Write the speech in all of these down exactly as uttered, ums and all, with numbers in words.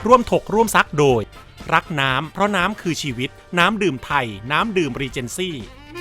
ร่วมถกร่วมซักโดยรักน้ำเพราะน้ำคือชีวิตน้ำดื่มไทยน้ำดื่มรีเจนซี่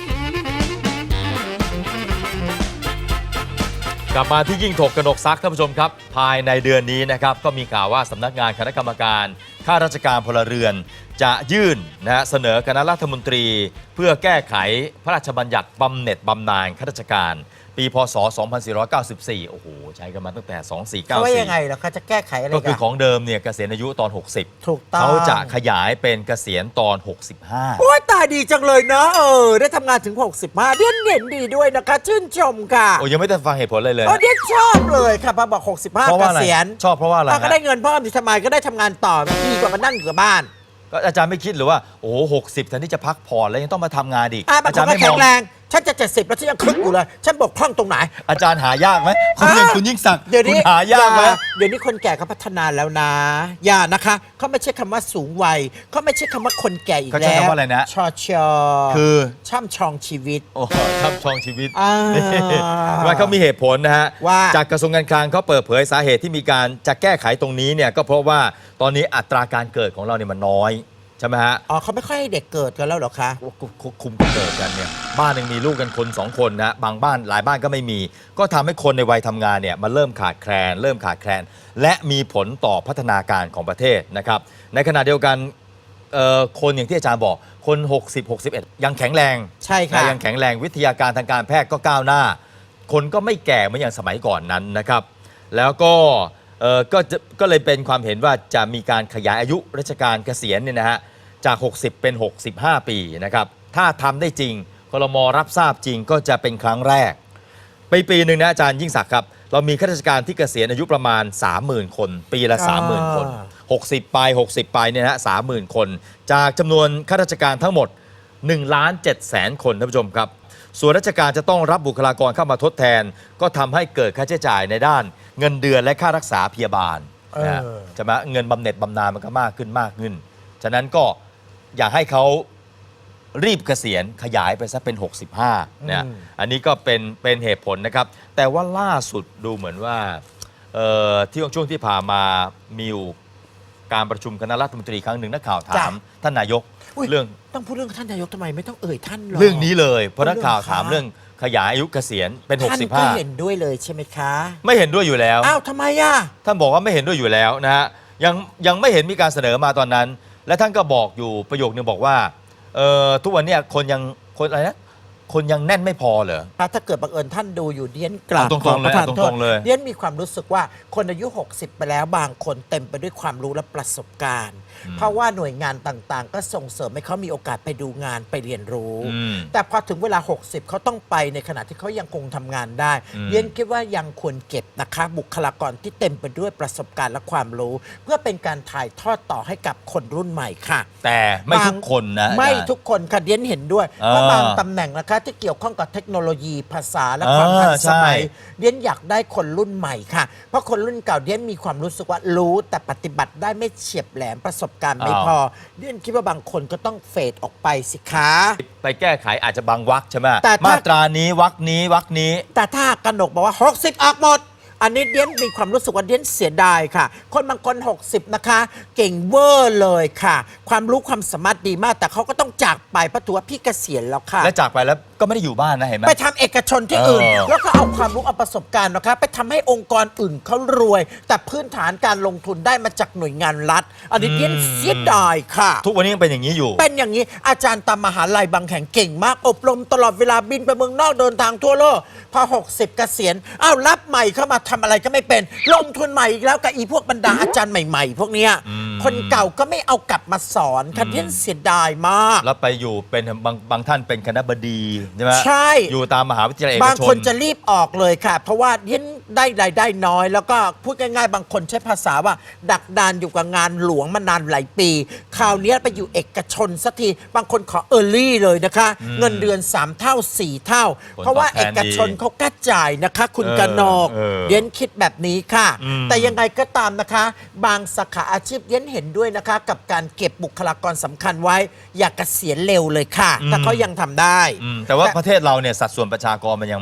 กลับมาที่ยิ่งถกกนกซักท่านผู้ชมครับภายในเดือนนี้นะครับก็มีข่าวว่าสำนักงานคณะกรรมการข้าราชการพลเรือนจะยื่นนะฮะเสนอคณะรัฐมนตรีเพื่อแก้ไขพระราชบัญญัติบำเหน็จบำนาญข้าราชการปีพ.ศ. สองพันสี่ร้อยเก้าสิบสี่โอ้โหใช้กันมาตั้งแต่สองพันสี่ร้อยเก้าสิบสี่เขาว่ายังไงล่ะเขาจะแก้ไขอะไรก็คือของเดิมเนี่ยเกษียณอายุตอนหกสิบถูกต้องเขาจะขยายเป็นเกษียณตอนหกสิบห้าโอ้ยตายดีจังเลยเนาะเออได้ทำงานถึงหกสิบห้าเดือนเห็นดีด้วยนะคะชื่นชมค่ะโอ้ยังไม่ได้ฟังเหตุผลเลยเลยโอ้เดือนชอบเลยค่ะพอบอกหกสิบห้าเกษียณชอบเพราะว่าอะไรก็ได้เงินเพิ่มดิทำไมก็ได้ทำงานต่อดีกว่ามานั่งอยู่กับบ้านก็อาจารย์ไม่คิดหรือว่าโอ้โหหกสิบแทนที่จะพักผ่อนแล้วยังต้องมาทำงานอีกอาจารย์ไม่แข็งแรงฉันจะเจ็ดสิบแล้วฉันยังคึกอยู่เลยฉันบกพร่องตรงไหนอาจารย์หายากไหมคุณหนึ่งคุณยิ่งศักดิ์เดี๋ยวนี้หายากไหมเดี๋ยวนี้คนแก่เขาพัฒนาแล้วนะอย่านะคะเขาไม่ใช่คำว่าสูงวัยเขาไม่ใช่คำว่าคนแก่อีกแล้วเขาใช้คำว่าอะไรนะชอชอคือช่ำชองชีวิตโอ้ช่ำชองชีวิตว่าเขามีเหตุผลนะฮะจากกระทรวงการคลังเขาเปิดเผยสาเหตุที่มีการจะแก้ไขตรงนี้เนี่ยก็เพราะว่าตอนนี้อัตราการเกิดของเราเนี่ยมันน้อยใช่ไหมฮะอ๋อเขาไม่ค่อยให้เด็กเกิดกันแล้วหรอคะคุมเกิดกันเนี่ยบ้านหนึ่งมีลูกกันคนสองคนนะบางบ้านหลายบ้านก็ไม่มีก็ทำให้คนในวัยทำงานเนี่ยมันเริ่มขาดแคลนเริ่มขาดแคลนและมีผลต่อพัฒนาการของประเทศนะครับในขณะเดียวกันคนอย่างที่อาจารย์บอกคนหกสิบ หกสิบเอ็ดยังแข็งแรงใช่ค่ะยังแข็งแรงวิทยาการทางการแพทย์ก็ก้าวหน้าคนก็ไม่แก่เหมือนอย่างสมัยก่อนนั้นนะครับแล้วก็ก็ก็เลยเป็นความเห็นว่าจะมีการขยายอายุราชการเกษียณเนี่ยนะฮะจากหกสิบเป็นหกสิบห้าปีนะครับถ้าทำได้จริงครม.รับทราบจริงก็จะเป็นครั้งแรกปีปีหนึ่งนะอาจารย์ยิ่งศักดิ์ครับเรามีข้าราชการที่เกษียณอายุประมาณ สามหมื่น คนปีละ สามหมื่น คนหกสิบไปหกสิบไปเนี่ยนะฮะ สามหมื่น คนจากจำนวนข้าราชการทั้งหมด หนึ่งล้านเจ็ดแสน คนท่านผู้ชมครับส่วนราชการจะต้องรับบุคลากรเข้ามาทดแทนก็ทำให้เกิดค่าใช้จ่ายในด้านเงินเดือนและค่ารักษาพยาบาลนะใช่ไหมเงินบำเหน็จบำนาญมันก็มากขึ้นมากขึ้นฉะนั้นก็อยากให้เขารีบเกษียณขยายไปซะเป็นหกสิบห้าเนี่ยอันนี้ก็เป็นเป็นเหตุผลนะครับแต่ว่าล่าสุดดูเหมือนว่าที่ช่วงที่ผ่านมามีการประชุมคณะรัฐมนตรีครั้งหนึ่งนักข่าวถามท่านนายกเรื่องต้องพูดเรื่องท่านนายกทำไมไม่ต้องเอ่ยท่านหรอเรื่องนี้เลยเพราะนักข่าวถามเรื่องขยายอายุเกษียณเป็นหกสิบห้าท่านก็เห็นด้วยเลยใช่ไหมคะไม่เห็นด้วยอยู่แล้วอ้าวทำไมอ่ะท่านบอกว่าไม่เห็นด้วยอยู่แล้วนะฮะยังยังไม่เห็นมีการเสนอมาตอนนั้นและท่านก็บอกอยู่ประโยคนึงบอกว่าเอ่อทุกวันนี้คนยังคนอะไรนะคนยังแน่นไม่พอเหรอถ้าเกิดบังเอิญท่านดูอยู่เดียนกราบตรงๆเลยตรงๆเลยเดียนมีความรู้สึกว่าคนอายุหกสิบไปแล้วบางคนเต็มไปด้วยความรู้และประสบการณ์เพราะว่าหน่วยงานต่างๆก็ส่งเสริมให้เขามีโอกาสไปดูงานไปเรียนรู้แต่พอถึงเวลาหกสิบเขาต้องไปในขณะที่เขายังคงทำงานได้เดียนคิดว่ายังควรเก็บนะคะบุคลากรที่เต็มไปด้วยประสบการณ์และความรู้เพื่อเป็นการถ่ายทอดต่อให้กับคนรุ่นใหม่ค่ะแต่ไม่ทุกคนนะไม่ทุกคนค่ะเดียนเห็นด้วยเพราะบางตำแหน่งนะคะที่เกี่ยวข้องกับเทคโนโลยีภาษาและความทันสมัยเดียนอยากได้คนรุ่นใหม่ค่ะเพราะคนรุ่นเก่าเดียนมีความรู้สึกว่ารู้แต่ปฏิบัติได้ไม่เฉียบแหลมประสบการณ์ไม่พอเดียนคิดว่าบางคนก็ต้องเฟดออกไปสิคะไปแก้ไขอาจจะบางวรรคใช่ไหมมาตรานี้วรรคนี้วรรคนี้แต่ถ้ากนกบอกว่าหกสิบออกหมดอันนี้เดียนมีความรู้สึกว่าเดียนเสียดายค่ะคนบางคนหกสิบนะคะเก่งเวอร์เลยค่ะความรู้ความสามารถดีมากแต่เขาก็ต้องจากไปเพราะถือว่าพี่เกษียณแล้วค่ะและจากไปแล้วก็ไม่ได้อยู่บ้านนะเห็นไหมไปทำเอกชนที่อื่นแล้วก็เอาความรู้เอาประสบการณ์นะคะไปทำให้องค์กรอื่นเขารวยแต่พื้นฐานการลงทุนได้มาจากหน่วยงานรัฐอันนี้เดียนเสียดายค่ะทุกวันนี้ยังเป็นอย่างนี้อยู่เป็นอย่างนี้อาจารย์ตามมหาลัยบางแห่งเก่งมากอบรมตลอดเวลาบินไปเมืองนอกเดินทางทั่วโลกพอหกสิบเกษียณอ้าวรับใหม่เข้ามาทำอะไรก็ไม่เป็นลงทุนใหม่อีกแล้วกับอีพวกบรรดาอาจารย์ใหม่ๆพวกเนี้ยคนเก่าก็ไม่เอากลับมาสอนคันเดียนเสียดายมากแล้วไปอยู่เป็นบางบางท่านเป็นคณบดีใช่ไหมใช่อยู่ตามมหาวิทยาลัยเอกชนบางคนจะรีบออกเลยค่ะเพราะว่าเดียนได้รายได้น้อยแล้วก็พูดง่ายๆบางคนใช้ภาษาว่าดักดานอยู่กับงานหลวงมานานหลายปีคราวนี้ไปอยู่เอกชนสักทีบางคนขอเออร์ลี่เลยนะคะเงินเดือนสามเท่าสี่เท่าเพราะว่าเอกชนเขากล้าจ่ายนะคะคุณกนกเดียนคิดแบบนี้ค่ะแต่ยังไงก็ตามนะคะบางสาขาอาชีพเดียนเห็นด้วยนะคะกับการเก็บบุคลากรสำคัญไว้อย่าเกษียณเร็วเลยค่ะถ้าเขายังทำได้แต่ว่าประเทศเราเนี่ยสัดส่วนประชากรมันยัง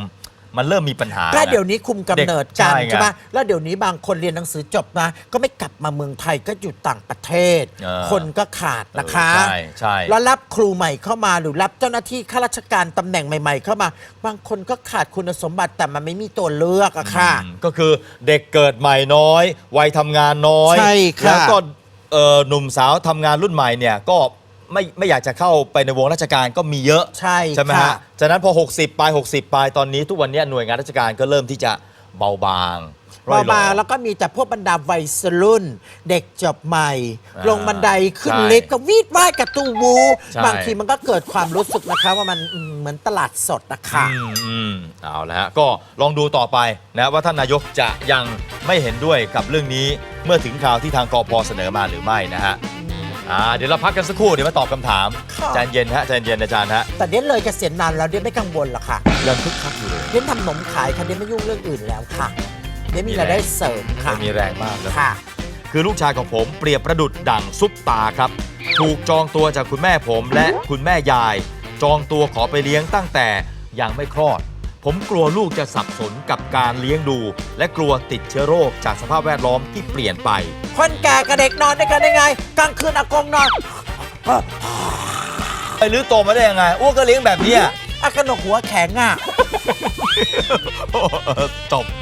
มันเริ่มมีปัญหาก็นะเดี๋ยวนี้คุมกำเนิดเด็กกันใช่ไงใช่ไหมแล้วเดี๋ยวนี้บางคนเรียนหนังสือจบนะก็ไม่กลับมาเมืองไทยก็อยู่ต่างประเทศเออคนก็ขาดนะคะเออใช่ใช่แล้วรับครูใหม่เข้ามาหรือรับเจ้าหน้าที่ข้าราชการตำแหน่งใหม่ ๆ เข้ามา บางคนก็ขาดคุณสมบัติแต่มันไม่มีตัวเลือกอะค่ะอืมก็คือเด็กเกิดใหม่น้อย วัยทำงานน้อยใช่ค่ะแล้วก็เอ่อหนุ่มสาวทำงานรุ่นใหม่เนี่ยก็ไม่ไม่อยากจะเข้าไปในวงราชการก็มีเยอะใช่ใช่ไหมค่ะฮะฉะนั้นพอ หกสิบปลาย60ปลายตอนนี้ทุกวันนี้หน่วยงานราชการก็เริ่มที่จะเบาบางร่อยหรอมา แล้วก็มีแต่พวกบรรดาวัยรุ่น เด็กจบใหม่อ่าลงบันไดขึ้นใช่ลิฟต์ก็วีดว่ายกระตูวูใช่บางทีมันก็เกิดความรู้สึกนะคะว่ามันอืมเหมือนตลาดสดนะคะอืมอืมเอาละฮะก็ลองดูต่อไปนะว่าท่านนายกจะยังไม่เห็นด้วยกับเรื่องนี้เมื่อถึงคราวที่ทางกพเสนอมาหรือไม่นะฮะอ่าเดี๋ยวเราพักกันสักครู่เดี๋ยวมาตอบคำถามค่ะใจเย็นฮะใจเย็นอาจารย์ฮะแต่เดี๋ยวเลยเกษียณนานแล้วเดี๋ยวไม่กังวลหรอกค่ะยังคึกคักอยู่เลยเดี๋ยวทำขนมขายค่ะเดี๋ยวไม่ยุ่งเรื่องอื่นแล้วค่ะเดี๋ยวมีมีรายได้แรงเสริมค่ะมีแรงมากนะค่ะคือลูกชายของผมเปรียบประดุดดั่งซุปตาครับ ถูกจองตัวจากคุณแม่ผมและคุณแม่ยาย จองตัวขอไปเลี้ยงตั้งแต่ยังไม่คลอด ผมกลัวลูกจะสับสนกับการเลี้ยงดู และกลัวติดเชื้อโรคจากสภาพแวดล้อมที่เปลี่ยนไปคนแก่กับเด็กนอนด้วยกันได้ไงกลางคืนอากงนอนไปรื้อโตมาได้ยังไงอ้วกก็เลี้ยงแบบเนี้ยอากนกหัวแข็งอ่ะจบ